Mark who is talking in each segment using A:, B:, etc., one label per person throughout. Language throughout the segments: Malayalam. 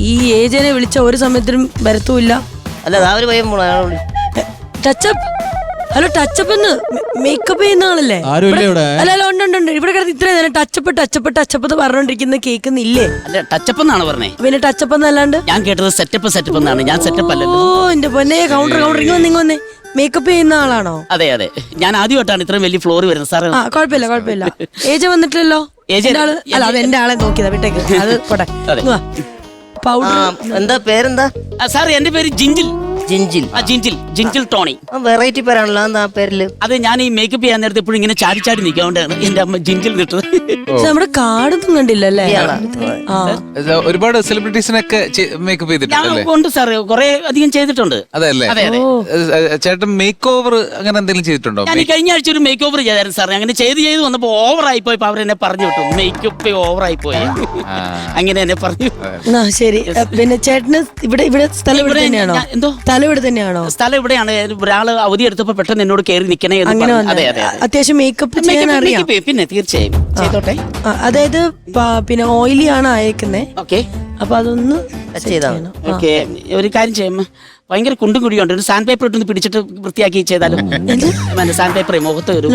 A: ഈ ഏജനെ വിളിച്ച ഒരു സമയത്തിനും വരത്തുമില്ല.
B: അല്ല ആ ഒരു പയ്യൻ
A: ടച്ചപ്പ്. ഹലോ ടച്ചപ്പ് എന്ന് മേക്കപ്പ് ചെയ്യുന്ന ആളല്ലേ? അല്ല ഉണ്ട്. ഇവിടെ കിടന്ന് ഇത്രയും നേരം ടച്ചപ്പ് എന്ന് പറഞ്ഞോണ്ടിരിക്കുന്ന കേൾക്കുന്നില്ലേ?
C: അല്ല ടച്ചപ്പ് എന്നാണ് പറഞ്ഞേ.
A: പിന്നെ ടച്ചപ്പ് എന്നല്ലാണ്ട്
C: ഞാൻ കേട്ടത് സെറ്റപ്പ് എന്നാണ്. ഞാൻ സെറ്റപ്പ് അല്ലല്ലോ.
A: ഓ എന്റെ പൊന്നെ, കൗണ്ടർ ഇങ്ങ് വന്നേ. മേക്കപ്പ് ചെയ്യുന്ന ആളാണോ?
C: അതെ ഞാൻ ആദ്യമായിട്ടാണ് ഇത്രയും വലിയ ഫ്ലോർ വരുന്നത് സാറേ.
A: കുഴപ്പമില്ല. ഏജ് വന്നിട്ടില്ലല്ലോ. അല്ല അത് എന്റെ ആളെ നോക്കിയതാ, വിട്ടേക്ക്. അത് പോട്ടെ. പൗഡർ
B: എന്താ പേരെന്താ?
C: സാർ എന്റെ പേര് ജിഞ്ചിൽ ടോണി.
B: വെറൈറ്റി പേരാണല്ലോ. എന്താ പേരില്?
C: അത് ഞാൻ ഈ മേക്കപ്പ് ചെയ്യാൻ നേരത്തെ എപ്പോഴും ഇങ്ങനെ ചാടി നിൽക്കാണ്ടാണ് എന്റെ അമ്മ ജിഞ്ചിൽ നിട്ടത്.
A: നമ്മുടെ കാർഡൊന്നും കണ്ടില്ലല്ലേ?
D: ഒരുപാട് സെലിബ്രിറ്റീസിനൊക്കെ മേക്കപ്പ് ചെയ്തിട്ടുണ്ട്.
C: ഉണ്ട് സാർ, കുറെ അധികം ചെയ്തിട്ടുണ്ട്.
D: അതെ. ചേട്ടൻ മേക്ക് ഓവർ അങ്ങനെ എന്തെങ്കിലും ചെയ്തിട്ടുണ്ടോ?
C: ഞാൻ കഴിഞ്ഞ ആഴ്ച ഒരു മേക്ക് ഓവർ ചെയ്തായിരുന്നു സാർ. അങ്ങനെ ചെയ്ത് വന്നപ്പോ ഓവറായി പോയപ്പോ അവരെന്നെ പറഞ്ഞു വിട്ടു. മേക്കപ്പ് ഓവറായി പോയി, അങ്ങനെ എന്നെ പറഞ്ഞു.
A: ശരി. പിന്നെ ചേട്ടന് ഇവിടെ സ്ഥലം ഇവിടെ തന്നെയാണോ?
C: എന്തോ സ്ഥലം ഇവിടെയാണ്. ഒരാള് അവധി എടുത്തപ്പോ പെട്ടെന്ന് എന്നോട് കയറി നിക്കണേ.
A: അതെ. അത്യാവശ്യം മേക്കപ്പ് ചെയ്യാൻ അറിയാം.
C: പിന്നെ തീർച്ചയായും ചെയ്തോട്ടെ.
A: അതായത് പിന്നെ ഓയിലി ആണ് അയക്കുന്നേ.
C: ഓക്കെ,
A: അപ്പൊ അതൊന്ന്
C: ഓക്കെ. ഒരു കാര്യം ചെയ്യുമ്പോ ഭയങ്കര കുണ്ടും കുഴിയുണ്ട്. ഒരു സാൻഡ് പേപ്പർ ഇട്ടൊന്ന് പിടിച്ചിട്ട് വൃത്തിയാക്കി ചെയ്താലും. സാൻഡ് പേപ്പർ മുഖത്ത് വരും.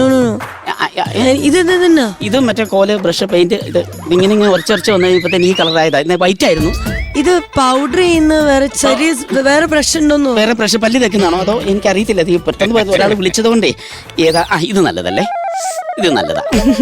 C: ഇത് മറ്റേ കോല്, ബ്രഷ്, പെയിന്റ്, ഇങ്ങനെ ഉറച്ചുറച്ച് വന്നു കഴിഞ്ഞപ്പോ ഈ കളറായതാ. വൈറ്റ് ആയിരുന്നു.
A: ഇത് പൗഡർ ചെയ്യുന്ന വേറെ ബ്രഷ് ഉണ്ടോന്നോ?
C: വേറെ ബ്രഷ് പല്ല് തേക്കുന്നതാണോ അതോ എനിക്കറിയത്തില്ല. അത് പെട്ടെന്ന് ഒരാൾ വിളിച്ചത് കൊണ്ടേ ഏതാ. ഇത് നല്ലതല്ലേ? ഇത് നല്ലതാ.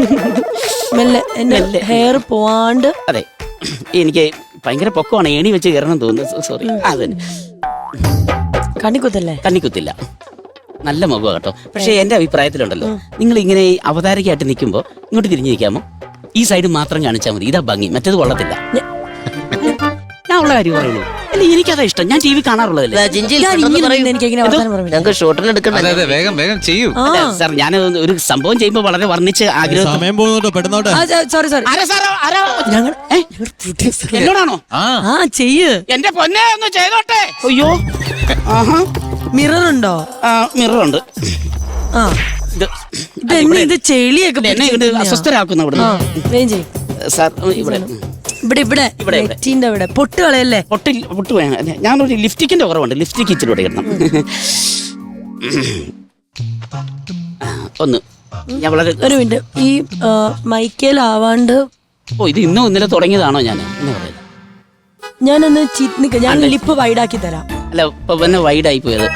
A: ഹെയർ പോവാണ്ട്.
C: അതെ, എനിക്ക് ഭയങ്കര പൊക്കമാണ്. ഏണി വെച്ച് കയറണം തോന്നുന്നു. സോറി. അതന്നെ, കണ്ണിക്കുത്തില്ല. നല്ല മുഖം കേട്ടോ. പക്ഷെ എന്റെ അഭിപ്രായത്തിലുണ്ടല്ലോ, നിങ്ങൾ ഇങ്ങനെ അവതാരകയായിട്ട് നിൽക്കുമ്പോ ഇങ്ങോട്ട് തിരിഞ്ഞു നിൽക്കാമോ? ഈ സൈഡ് മാത്രം കാണിച്ചാൽ മതി. ഇതാ ഭംഗി, മറ്റേത് കൊള്ളത്തില്ല. ഞാൻ ഉള്ള കാര്യം പറയുന്നു. അല്ല, എനിക്കതാ ഇഷ്ടം. ഞാൻ TV കാണാറുള്ളതല്ലേ.
B: ഞങ്ങൾക്ക് ഷോട്ടിന് എടുക്കണം.
D: വേഗം ചെയ്യൂ
C: സാർ. ഞാൻ ഒരു സംഭവം ചെയ്യുമ്പോ വളരെ വർണ്ണിച്ച് ആഗ്രഹം. എന്നോടാണോ?
A: ചെയ്യ്.
C: എന്റെ പൊന്നെ ഒന്ന് ചെയ്തോട്ടെ. അയ്യോ,
A: മിറർ ഉണ്ടോ?
C: മിററുണ്ട്.
A: ഇത് ചെളിയൊക്കെ
C: എന്നെ അസ്വസ്ഥരാക്കുന്ന ഇവിടെ. സാർ ഇവിടെ
A: പൊട്ട് കളയല്ലേ?
C: പൊട്ട് വേണം. ഞാനൊരു ലിഫ്റ്റിക്കിന്റെ കുറവുണ്ട്. ലിഫ്റ്റിക്ക് ഇച്ചിരി കൂടെ ഇടണം. ഒന്ന് ഞാൻ വളരെ
A: ഒരു മിനിറ്റ്. ഈ മൈക്കേലാവാണ്ട്.
C: ഇത് ഇന്നലെ തുടങ്ങിയതാണോ?
A: ഞാനൊന്ന് ഞാൻ ലിപ്പ് വൈഡാക്കി തരാം.
C: അല്ല, ഇപ്പൊ പിന്നെ വൈഡായി പോയത്.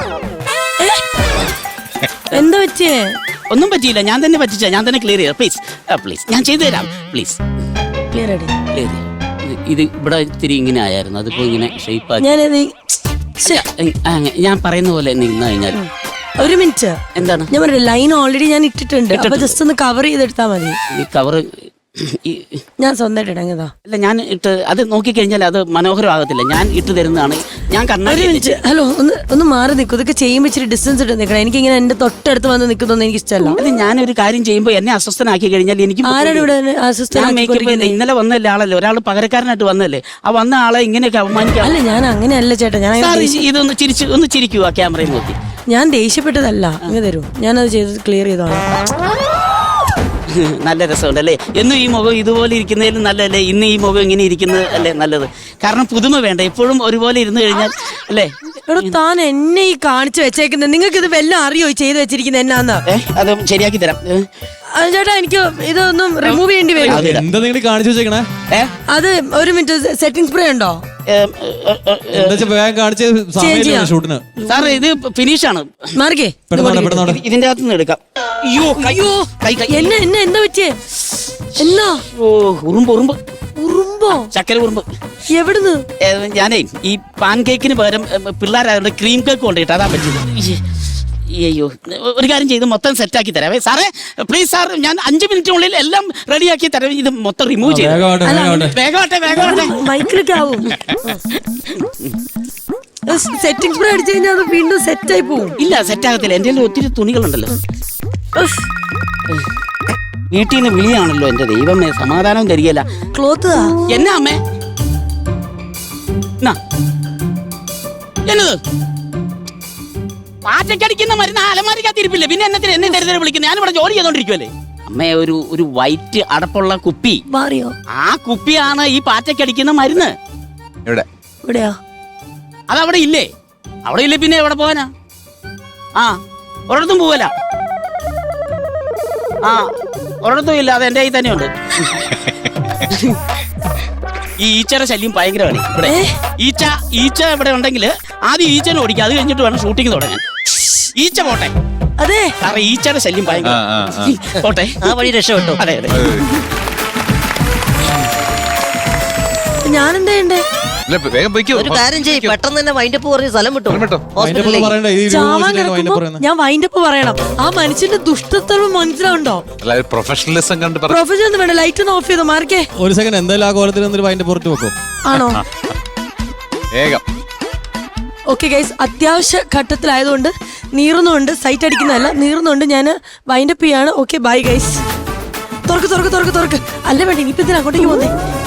A: എന്താ പറ്റിയേ?
C: ഒന്നും പറ്റിയില്ല. ഞാൻ തന്നെ പറ്റിച്ച. ഞാൻ തന്നെ ക്ലിയർ ചെയ്യാം. പ്ലീസ് ഞാൻ ചെയ്തു തരാം. Please
A: clear.
C: ഇത് ഇവിടെ ഇത്തിരി ഇങ്ങനെ ആയിരുന്നു. അതിപ്പോ ഇങ്ങനെ ഷേപ്പ് ആക്കി. ഞാൻ പറയുന്ന പോലെ നിന്ന് കഴിഞ്ഞാൽ.
A: ഒരു മിനിറ്റ്.
C: എന്താണ്?
A: ഞാൻ പറഞ്ഞ ലൈൻ ഓൾറെഡി ഞാൻ ഇട്ടിട്ടുണ്ട്. അപ്പൊ ജസ്റ്റ് ഒന്ന് കവർ ചെയ്തെടുത്താ മതി.
C: ഈ കവർ
A: ഞാൻ സ്വന്തമായിട്ട് ഇടങ്ങതാ.
C: അല്ല, ഞാൻ ഇട്ട് അത് നോക്കിക്കഴിഞ്ഞാൽ അത് മനോഹരമാകത്തില്ല. ഞാൻ ഇട്ട് തരുന്നതാണ്. ഞാൻ
A: ഹലോ, ഒന്ന് മാറി നിൽക്കും. ഇതൊക്കെ ചെയ്യുമ്പോൾ ഇച്ചിരി ഡിസ്റ്റൻസ് ഇട്ട് നിൽക്കണം. എനിക്ക് ഇങ്ങനെ എന്റെ തൊട്ടടുത്ത് വന്ന് നിൽക്കുന്നൊന്നും എനിക്ക് ഇഷ്ടമല്ല.
C: അത് ഞാനൊരു കാര്യം ചെയ്യുമ്പോൾ എന്നെ അസ്വസ്ഥനാക്കി കഴിഞ്ഞാൽ എനിക്ക്
A: ആരാണ് ഇവിടെ അസ്വസ്ഥനാക്കി?
C: ഇന്നലെ വന്നല്ലേ ആളല്ലേ, ഒരാൾ പകരക്കാരനായിട്ട് വന്നല്ലേ. ആ വന്ന ആളെ ഇങ്ങനെയൊക്കെ അവമാനിക്കാം.
A: അല്ല, ഞാൻ അങ്ങനെയല്ല ചേട്ടാ. ഞാൻ
C: ഇതൊന്ന് ചിരിക്കൂ ആ ക്യാമറയിൽ നോക്കി.
A: ഞാൻ ദേഷ്യപ്പെട്ടതല്ല. ഇങ്ങനെ തരൂ, ഞാനത് ചെയ്ത് ക്ലിയർ ചെയ്തോളാം.
C: നല്ല രസമുണ്ടല്ലേ? എന്നും ഈ മുഖം ഇതുപോലെ ഇരിക്കുന്നതിലും നല്ലതല്ലേ ഇന്ന് ഈ മുഖം ഇങ്ങനെ ഇരിക്കുന്നത് അല്ലേ നല്ലത്? കാരണം പുതുമ വേണ്ട. എപ്പോഴും ഒരുപോലെ ഇരുന്ന് കഴിഞ്ഞാൽ അല്ലേ?
A: താൻ എന്നെ ഈ കാണിച്ചു വെച്ചേക്കുന്നത് നിങ്ങൾക്ക് ഇത് വല്ലതും അറിയോ ചെയ്ത് വെച്ചിരിക്കുന്നത് എന്നാന്ന്?
C: അത് ശരിയാക്കി തരാം
A: ചേട്ടാ. എനിക്ക് ഇതൊന്നും റിമൂവ് ചെയ്യേണ്ടി വരും. അത് ഒരു മിനിറ്റ്. സെറ്റിംഗ് സ്പ്രേ ഉണ്ടോ?
C: സാർ ഇത് ഫിനിഷ് ആണ്.
A: മാർഗേ,
C: ഇതിന്റെ അകത്ത് നിന്ന് എടുക്കാം.
A: അയ്യോ, എന്നെ എന്താ പറ്റിയേ? എന്നാ? ഉറുമ്പോ?
C: ചക്കര ഉറുമ്പ്.
A: എവിടുന്ന്?
C: ഞാനേ ഈ പാൻ കേക്കിന് പകരം പിള്ളേരുടെ ക്രീം കേക്ക് കൊണ്ടിട്ട് അതാ പറ്റിയത്. അയ്യോ, ഒരു കാര്യം ചെയ്ത് മൊത്തം സെറ്റാക്കി തരാവേ സാറേ. പ്ലീസ് സാർ, ഞാൻ 5 മിനിറ്റിനുള്ളിൽ എല്ലാം റെഡിയാക്കി തരാം. ഇത് മൊത്തം റിമൂവ് ചെയ്ത് വേഗമാട്ടെ.
A: മൈക്കിലൊക്കെ ആവും. സെറ്റിംഗ് സ്പ്രേ അടിച്ചു കഴിഞ്ഞാൽ അത് വീണ്ടും സെറ്റായി പോവും.
C: ഇല്ല, സെറ്റാകത്തില്ല. എന്റെ ഒത്തിരി തുണികളുണ്ടല്ലോ. വീട്ടിൽ നിന്ന് വിളിയാണല്ലോ. എന്റെ ദൈവമേ, സമാധാനവും തരികയില്ല.
A: ക്ലോത്ത്
C: എന്നാ അമ്മേ? എന്നത് പാറ്റക്കടിക്കുന്ന മരുന്ന് അലമാരിക്കകത്തിരിപ്പില്ലേ? പിന്നെ എന്നെ ദരിദ്രം വിളിക്കുന്നത്? ഞാനിവിടെ ജോലി ചെയ്തോണ്ടിരിക്കുവല്ലേ അമ്മേ. ഒരു വൈറ്റ് അടപ്പുള്ള കുപ്പി.
A: മാറിയോ?
C: ആ കുപ്പിയാണ് ഈ പാറ്റക്കടിക്കുന്ന മരുന്ന്.
A: ഇവിടെയാ?
C: അതവിടെ ഇല്ലേ? അവിടെ ഇല്ലേ പിന്നെ എവിടെ പോവാനാ? ആ ഒരിടത്തും പോവല. ആ ഒരിടത്തും ഇല്ല, അത് എന്റെ കയ്യിൽ തന്നെയുണ്ട്. ഈ ഈച്ചയുടെ ശല്യം ഭയങ്കരമാണ് ഇവിടെ. ഈച്ച ഇവിടെ ഉണ്ടെങ്കിൽ ആദ്യം ഈച്ചനെ ഓടിക്കുക, അത് കഴിഞ്ഞിട്ട് വേണം ഷൂട്ടിങ് തുടങ്ങാൻ. ഈച്ച പോട്ടെ.
A: അതെ
C: സാറേ ഈച്ചയുടെ ശല്യം ഭയങ്കര പോട്ടെ.
B: ആ വഴി രക്ഷപ്പെട്ടു.
C: അതെ അതെ.
A: ഞാനെന്താ ചെയ്യണ്ടേ?
D: വേഗം പോയിക്കോ.
B: ഒരു കാര്യം ചെയ്യ്, പെട്ടെന്ന് തന്നെ വൈൻഡപ്പ് പറഞ്ഞ് സ്ഥലം വിട്ടു ഹോസ്പിറ്റലിലേക്ക്.
A: ചാവാൻ കിടക്കുമ്പോ ഞാൻ വൈൻഡപ്പ് പറയണം. ആ മനുഷ്യന്റെ ദുഷ്ടത്തരം മനസ്സിലാവുണ്ടോ?
D: പ്രൊഫഷണലിസം കണ്ട്
A: പ്രൊഫഷൻ ഒന്നും വേണ്ട, ലൈറ്റ് ഒന്ന് ഓഫ് ചെയ്തോ മാർക്കേ.
E: ഒരു സെക്കൻഡ്, എന്തായാലും ആ കോലത്തിൽ നിന്നൊരു വൈൻ്റെ പുറത്ത് വെക്കും.
A: ആണോ?
D: വേഗം.
A: ഓക്കെ ഗൈസ്, അത്യാവശ്യ ഘട്ടത്തിലായതുകൊണ്ട് നീറുന്നുണ്ട്, സൈറ്റ് അടിക്കുന്നതല്ല, നീറുന്നുണ്ട്. ഞാൻ വൈൻഡപ്പ് ചെയ്യാണ്. Okay bye guys. തുറക്ക് തുറക്ക് തുറക്ക് തുറക്ക്. അല്ല വേണ്ട, ഇനിയിപ്പോ ഇതിന് അങ്ങോട്ടേക്ക് പോന്നേ.